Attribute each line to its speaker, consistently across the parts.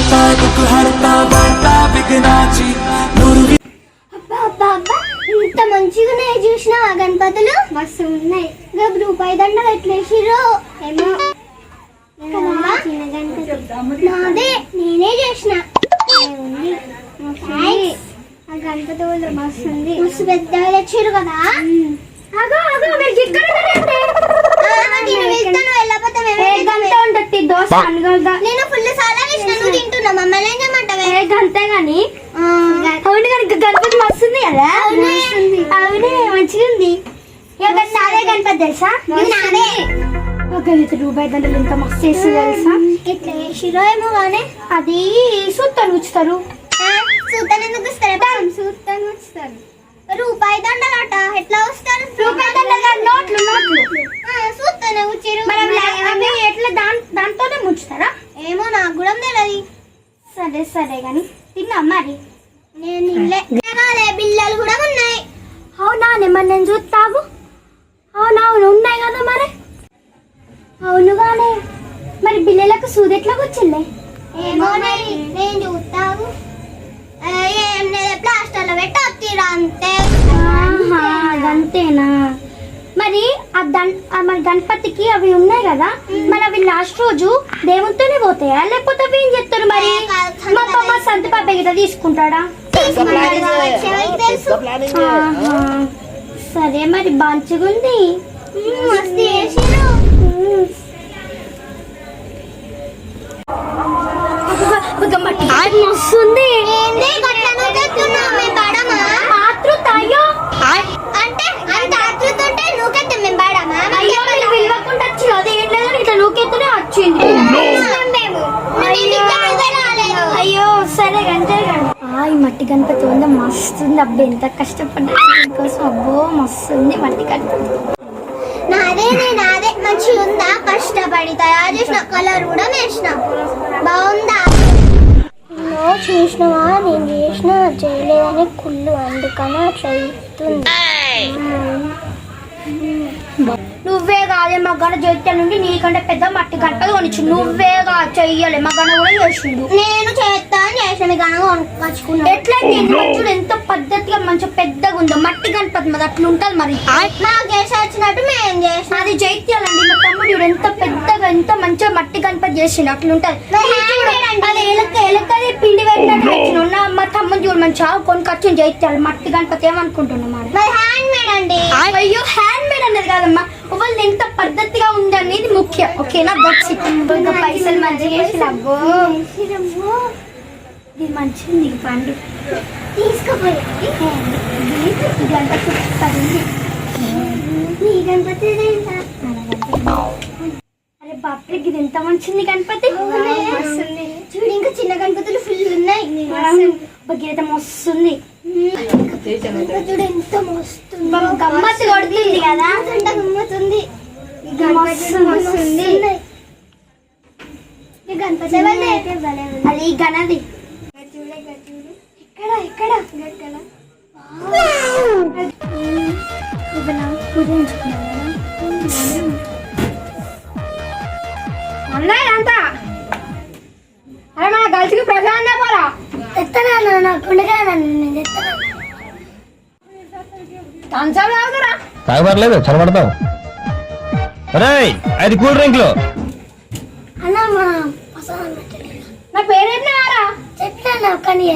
Speaker 1: करता दुख हरता बढ़ता विघ्नाची
Speaker 2: ఇంత మంచిగా ఉన్నాయి చూసినా గణపతులు మస్తు ఉన్నాయి. రూపాయి దండ పెట్టలేసిరో ఏమో నాదే నేనే చేసిన ఆ గణపతి వాళ్ళు మస్తు ఉంది. మస్తు పెద్దగా తెచ్చిరు కదా. నేను ఫుల్ సాలా వేసిన నువ్వు తింటున్నా మమ్మల్ని ఏం చేయమంటావే గంతే గాని. అవును కనుక గణపతి మస్తుంది కదా. అవునే మంచిగా ఉంది. నాదే గణపతి తెలుసా నాదే. రూపాయి దండలు ఎంత మస్తు చేసి తెలుసా. ఇట్లా వేసిరో ఏమో కానీ అది సూత్తాను ఉంచుతారు. సూత్తాను ఎందుకు ఇస్తారు? సూత్తాను ఉంచుతారు. రూపాయి దండలట ఎట్లా వస్తారు? రూపాయి దండలు నోట్లు నోట్లు సూత్తానే ఉంచారు. ఎట్లా దాంతోనే ముంచుతారా ఏమో నాకు కూడా తెలియదు. సరే సరే గాని తిన్నా మరి. నేను బిల్లలు కూడా ఉన్నాయి. అవునా మరి నేను చూస్తాగు. అవునవును ఉన్నాయి కదా మరి. అవును కానీ మరి బిల్లలకు సూది ఎట్లా కూర్చుండే ఏమో నేను చూస్తాగు. ఏం లేదు ప్లాస్టర్లో పెట్టి వత్తిరా అంతే. అంతేనా మరి మరి గణపతికి అవి ఉన్నాయి కదా మరి అవి లాస్ట్ రోజు దేవునితోనే పోతాయా లేకపోతే అవి ఏం చెప్తారు మరి? మా సంత పాప గిట్ట తీసుకుంటాడా? సరే మరి మంచిగుంది. మస్తుంది. అయ్యో సరే ఈ మట్టి గణపతి ఉంది మస్తుంది. అబ్బా ఎంత కష్టపడ్డా దీనికోసం. అబ్బో మస్తుంది మట్టి గణపతి. నాదే మంచిగా ఉందా? కష్టపడి తయారు చేసిన కలర్ కూడా వేసిన బాగుందా? చూసినవా నేను చేసిన చేయలేదని కుళ్ళు అందుకని అట్లా అవుతుంది. నువ్వే కాదే మగ్గన చేతి నుండి నీకంటే పెద్ద మట్టి గణపతి కొనిచ్చు. నువ్వే చెయ్యలే మగ్గన కూడా చేసిండు. నేను చేస్తా అని చేసిన కొనుక్కొచ్చుకున్నా. ఎట్లయితే చూడు ఎంత పద్ధతిగా మంచిగా పెద్దగా ఉందో మట్టి గణపతి మరి అట్లా ఉంటది మరి. నాకు చేసి వచ్చినట్టు మేము చేసిన అది జైత్యాలండి. మా తమ్ముడు ఎంత పెద్దగా ఎంత మంచిగా మట్టి గణపతి చేసిండు అట్లుంటది. అది ఎలకది పిండి పెట్టినట్టు మా తమ్ముడు చూడు మంచిగా కొనుకొచ్చిన జైత్యాలు మట్టి గణపతి ఏమనుకుంటున్నాం మరి హ్యాండ్ మేడ్ అండి. అయ్యో హ్యాండ్ మేడ్ అనేది కాదమ్మా వాళ్ళు ఎంత పద్ధతిగా ఉందనేది ముఖ్యం. ఓకేనా? పైసలు మంచిగా చేసి అబ్బో ఇది మంచిది పండు తీసుకుపోయి గణపతి. అరే బాప్రే ఇది ఎంత మంచిది గణపతి. చూడు ఇంకా చిన్న గణపతులు ఫుల్ ఉన్నాయి. గీత మస్తుంది. చూడు ఎంత మస్తుంది. గమ్మత్తు కొడుతుంది కదా. గమ్మతుంది గణపతి అది గణది. ఇక్కడ అంతా అరే మన గల్స్కి ప్రజా పోరా ఎత్తనా
Speaker 3: తాగబడలేదు చదవడతావు. అరే అది కూల్ డ్రింక్లు
Speaker 2: నా పేరేంటారా చెప్తాను కానీ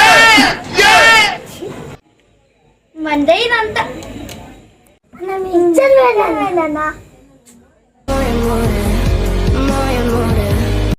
Speaker 2: మందే ఇదంతా